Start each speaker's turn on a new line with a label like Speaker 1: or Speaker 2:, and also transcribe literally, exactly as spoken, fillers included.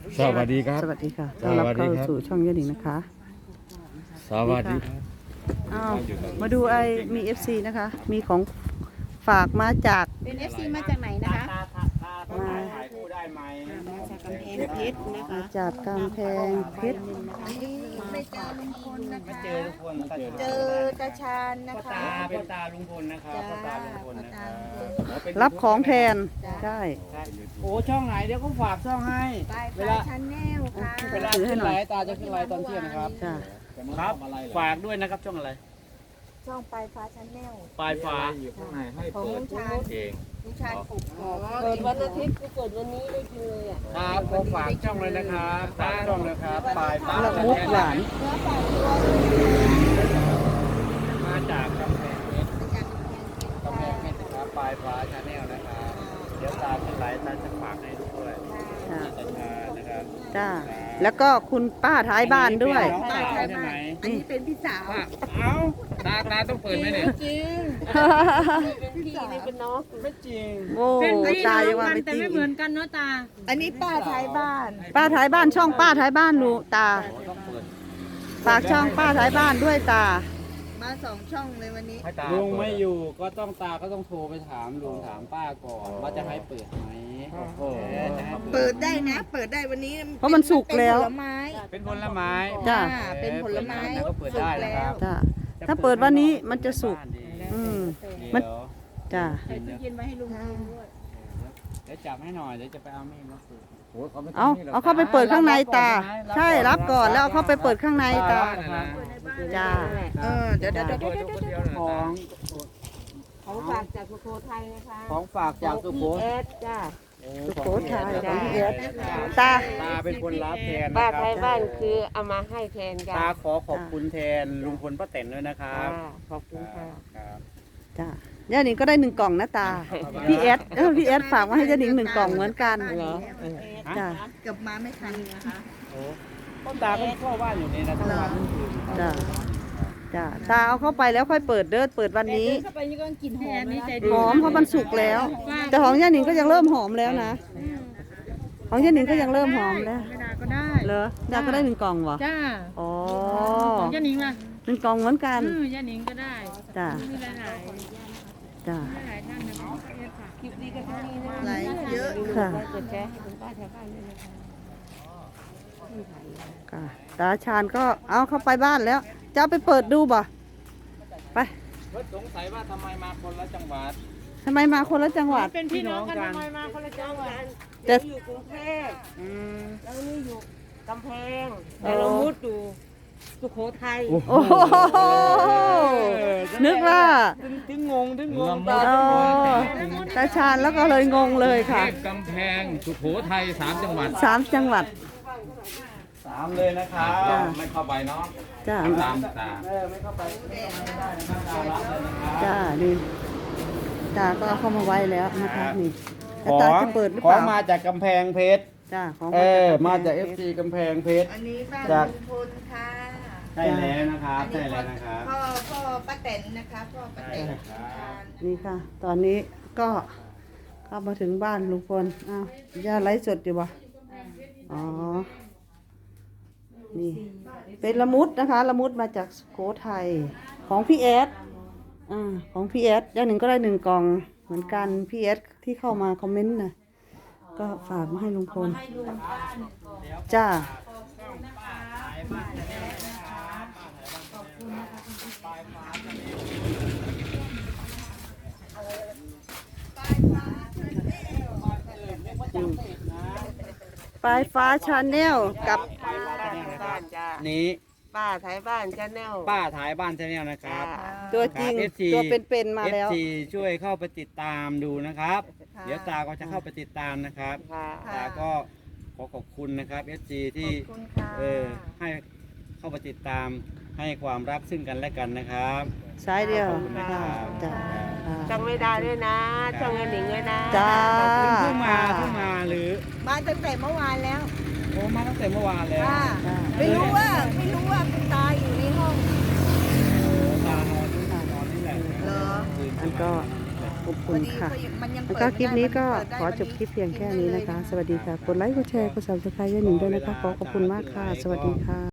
Speaker 1: สวัสดีครับ
Speaker 2: สวัสดีค่ะต้อนรับเข้าสู่ช่องยาหนิงนะคะ
Speaker 1: สวัสดีครับ
Speaker 2: อ้าวมาดูไอมี เอฟ ซี นะคะ มีของฝากมาจาก
Speaker 3: เป็น เอฟ ซี มาจากไหนนะคะ
Speaker 2: มา
Speaker 3: มาจากกำแพงเพชรนะคะ
Speaker 2: มาจากกำแพงเพชร
Speaker 3: ไม่เจอลุงพลนะคะ
Speaker 4: เจอทุกคนก็เจอ
Speaker 3: เจอตาชาญนะ
Speaker 4: พ่อ
Speaker 3: คะ
Speaker 4: ตาเป็นตาลุงพลนะครับพ่อตาลุงพลนะครับ
Speaker 2: รับของแทนใช่
Speaker 4: โอ้ช่องไหนเดี๋ยวก็ฝากช่องให้
Speaker 3: ปลาย
Speaker 4: เว
Speaker 3: ปลา
Speaker 4: ลาย
Speaker 3: ชันแนลค่ะ
Speaker 4: เวลาขึ้นไลฟ์ตาจะขึ้นไลฟ์ตอนเที่ยงนะครับ
Speaker 2: จ้า
Speaker 4: ครับ ฝากด้วยนะครับช่องอะไร
Speaker 3: ช่องปลายฟ้าชันแนล
Speaker 4: ปลายฟ้า
Speaker 3: ของลุงชาญ
Speaker 4: เอง
Speaker 3: ลุงชาญปลูกอ๋อ
Speaker 5: เกิดวันอาทิตย์กูเกิดวันนี้ได้กินเลยอ่ะ
Speaker 4: ครับก็ฝากช่องเลยนะครับฝากช่องนะครับปลายฟ้า
Speaker 2: ละมุกหวาน
Speaker 3: เนื้อปลาตัว
Speaker 4: มาจากกำแพงเพชร
Speaker 3: มาจากกำแพงเพชร
Speaker 4: กำแพงเพชรนะครับปลายฟ้าชาแนลนะครับเดี๋ยวตาขึ้นไลฟ์ตาจะฝากให้ด้วย
Speaker 2: จ้า
Speaker 4: ตาชานะครับ
Speaker 2: จ้าแล้วก็คุณป้าท้ายบ้านด้วย
Speaker 4: น้องสาวใช่ไหม
Speaker 3: อันนี้เป็นพี่สาว
Speaker 4: เอ้าตาตาต้องเปิดไหมเนี่ย
Speaker 3: จริง
Speaker 5: เป็นพี่นี่เป็นน้อง
Speaker 4: ไม่จริง
Speaker 2: โอ้ตายังว่าไม่
Speaker 6: แต่
Speaker 2: จริง
Speaker 6: ไม่เหมือนกันเนาะตา
Speaker 3: อันนี้ป้าท้ายบ้าน
Speaker 2: ป้าท้ายบ้านช่องป้าท้ายบ้านลูตา
Speaker 4: ต้องเปิด
Speaker 2: ฝากช่องป้าท้ายบ้านด้วยตา
Speaker 3: มาสองช่องเลยวันนี้
Speaker 4: ลุงไม่อยู่ก็ต้องตาก็ต้องโทรไปถามลุงถามป้าก่อนว่าจะให้เปิดไหมเออจะให้
Speaker 3: เปิดได้นะ เปิดได้วันนี้
Speaker 2: เพราะมันสุกแล้ว
Speaker 3: เป็นผลไม้
Speaker 4: เป็นผลไม้
Speaker 2: จ้ะ
Speaker 3: อ่าเป็นผลไม้
Speaker 4: แล้วก็เปิดได้นะครับ
Speaker 2: จ้าถ้าเปิดวันนี้มันจะสุก อืมมั
Speaker 4: มัน น
Speaker 2: จ้า
Speaker 6: ใส่ตู้เย็นไว้ให้ลุงกินด้วย
Speaker 4: เดี๋ยวจับให้หน่อยเดี๋ยวจะไปเอามีดมาฝึก
Speaker 2: เอาเอาเข้าไปเปิดข้างในตา ใช่รับก่อนแล้วเอาเข้าไปเปิดข้างในตา จ้า
Speaker 3: เออเดี๋ยวเดี๋ยวเดี๋ยว
Speaker 4: เดี๋ยวเดี๋ยว
Speaker 5: ของ ของฝากจากสุโขทัยนะคะ
Speaker 4: ของฝากจากสุโข
Speaker 5: พี่เอ
Speaker 4: ทัย
Speaker 5: สจ้า
Speaker 2: สุโขทัยของพี่เอส
Speaker 4: ตา
Speaker 2: ตา
Speaker 4: ตาเป็นคนรับแทน
Speaker 5: ป้า
Speaker 4: นะค
Speaker 5: ไท
Speaker 4: รั
Speaker 5: ย
Speaker 4: บ
Speaker 5: บ้านคือเอามาให้แทนกั
Speaker 4: ตาขอขอบคุณแทนลุงพลป้าแตนด้วยนะครับ
Speaker 5: จ้าขอบคุณค่ะ
Speaker 4: ครับ
Speaker 2: จ้าย่าหนิงก็ได้หนึ่งกล่องนะตา พี่เอสเออพี่เอสฝากมาให้ย่าหนิงหนึ่งกล่องเหมือนกัน
Speaker 5: เหรอ
Speaker 2: จ้า
Speaker 3: เกือบมาไม่ทันนะคะ
Speaker 4: โอ้ต้นตาก็เข้าบ้านอยู่นี่นะทั้งวันทั้งคืนครับ
Speaker 2: จ้า จ้า ตาเอาเข้าไปแล้วค่อยเปิดเด้อเปิดวันนี้
Speaker 3: เข้าไปนี่ก็กลิ่นห
Speaker 6: แม่
Speaker 3: อม
Speaker 6: นี่
Speaker 3: นะ
Speaker 6: ใจ
Speaker 2: ห
Speaker 6: ดี
Speaker 2: อมเพราะมันสุกแล้ว แต่ของย่าหนิงก็ยังเริ่มหอมแล้วนะ ของย่าหนิงก็ยังเริ่มหอมแล้ว
Speaker 6: ไม่ได้ก็ได้
Speaker 2: เหรอดาก็ได้หนึ่งกล่องเหรอ
Speaker 6: จ้า
Speaker 2: อ๋อ
Speaker 6: ของย่านิงล่ะ
Speaker 2: หนึ่งกล่องเหมือนกัน
Speaker 6: อือย่านิงก็ได้
Speaker 2: จ้า
Speaker 6: มีหลายหลาย
Speaker 2: จ้า
Speaker 6: หลายท่านนะเรียกค่ะ
Speaker 5: คลิปนี้ก็เท่านี้นะ
Speaker 3: ไหลเยอะ
Speaker 2: ค่ะ
Speaker 5: กดแชร์ให้คุณป้าชาวบ้านด้วยนะคะ
Speaker 2: ค่ะตาชาญก็เอาเข้าไปบ้านแล้ว จะเอาไปเปิดดูบ่ ไป
Speaker 4: เพิ่นสงสัยว่าทำไมมาคนละจังหวัด
Speaker 2: ทำไมมาคนละจังหวัด
Speaker 6: เป็นพี่น้องกันทำไมมาคนละจังหวัด
Speaker 2: แต่
Speaker 5: อยู่กรุงเทพ
Speaker 4: อืม
Speaker 5: แล้วนี่อยู่กำแพง
Speaker 2: อ๋อ
Speaker 5: แต่เรามุดอยู่สุโขทัย
Speaker 2: โอ้โหนึกว่า
Speaker 4: ถึงถึงงงถึงงง
Speaker 2: อ๋อตาชาญแล้วก็เลยงงเลยค่ะ
Speaker 7: กำแพงสุโขทัยสามจังหวัด
Speaker 2: สามจังหวัด
Speaker 4: สามเลยนะครับ
Speaker 2: จ้ะ
Speaker 7: ไม่เข้าไปเนาะ
Speaker 2: จ้า
Speaker 7: ตามตา
Speaker 4: เออไม่เข้าไปไม่ได้นะครับตารับเลยนะครับ
Speaker 2: จ้านี่ตาก็เอาเข้ามาไว้แล้วนะคะนี่
Speaker 4: ข
Speaker 2: แล้ว
Speaker 4: อ
Speaker 2: ตาจะเปิดหรือ
Speaker 4: ข
Speaker 2: เป
Speaker 4: อ
Speaker 2: ล่า
Speaker 4: มาจากกำแพงเพชร
Speaker 2: จ้าของ
Speaker 4: เออมา
Speaker 2: มา
Speaker 4: จาก
Speaker 2: เอ
Speaker 4: เอ
Speaker 2: ฟ
Speaker 4: ฟ
Speaker 2: ซี
Speaker 4: ซีกำแพงเพชร
Speaker 3: อันนี้บ้าน
Speaker 4: จาก
Speaker 3: ลุงพลค่ะ
Speaker 4: ใช่แล้วนะครับใช่แล้วนะครับ
Speaker 3: พ่อพ่อป้าแตนนะคะพ่อป้าแตนทาน
Speaker 2: นี่ค่ะ ตอนนี้ก็เข้ามาถึงบ้านลุงพลอ้าวย่าไลฟ์สดอยู่บ่อ๋อ นี่ เป็นละมุดนะคะ ละมุดมาจากสุโขทัยของพี่เอสอ่าของพี่เอสอย่างหนึ่งก็ได้หนึ่งกล่องเหมือนกันพี่เอสที่เข้ามาคอมเมนต์นะก็ฝากมาให้ลุงพลจ้าปลายฟ้าชาแนลกับ
Speaker 5: บ้านจ้า
Speaker 4: นี้
Speaker 5: ป้าไทยบ้านชาแนล
Speaker 4: ป้าถ่ายบ้านชาแนลนะครับ
Speaker 2: ตัวจริง
Speaker 4: ครับ เอฟ ซี
Speaker 2: ตัวเป็นๆมาแล้ว
Speaker 4: เอฟซีช่วยเข้าไปติดตามดูนะครับ เดี๋ยวตาก็จะเข้าไปติดตามนะครับ
Speaker 5: ค่ะ
Speaker 4: ตาก็ขอขอบคุณนะครับ เอฟ ซี ที่
Speaker 3: ขอบคุณค่ะ
Speaker 4: เออให้เข้าไปติดตามให้ความรักซึ่งกันและกันนะครับ
Speaker 2: สายเดียว
Speaker 4: ขอบคุณนะครับ
Speaker 2: จ้า
Speaker 5: ช่องไม่ได้ด้วยนะ ช่องเงินหนิงด้วยนะ
Speaker 2: จ้า
Speaker 4: เพิ่งมาเพิ่งมาหรือ
Speaker 3: มาตั้งแต่เมื่อวานแล้ว
Speaker 4: โอ้มาตั้งแต่เมื่อวานแล้ว
Speaker 3: ค่ะไม่รู้ว่าไม่รู้ว่าคุณตาอยู่ในห้อง
Speaker 4: ตานอนนอนนี่แหละ
Speaker 3: เหรอ
Speaker 4: คืน
Speaker 2: อันก็ขอบคุณค่ะ
Speaker 3: พอดีมันยัง
Speaker 2: แล้ว
Speaker 3: เปิด
Speaker 2: ก็คลิปนี้ก็
Speaker 3: ไม่ได้
Speaker 2: ขอจบคลิปเพียงแค่นี้นะคะ สวัสดีค่ะ กดไลค์ กดแชร์ กดซับสไครต์ย่าหนิงด้วยนะคะ ขอขอบคุณมากค่ะ สวัสดีค่ะ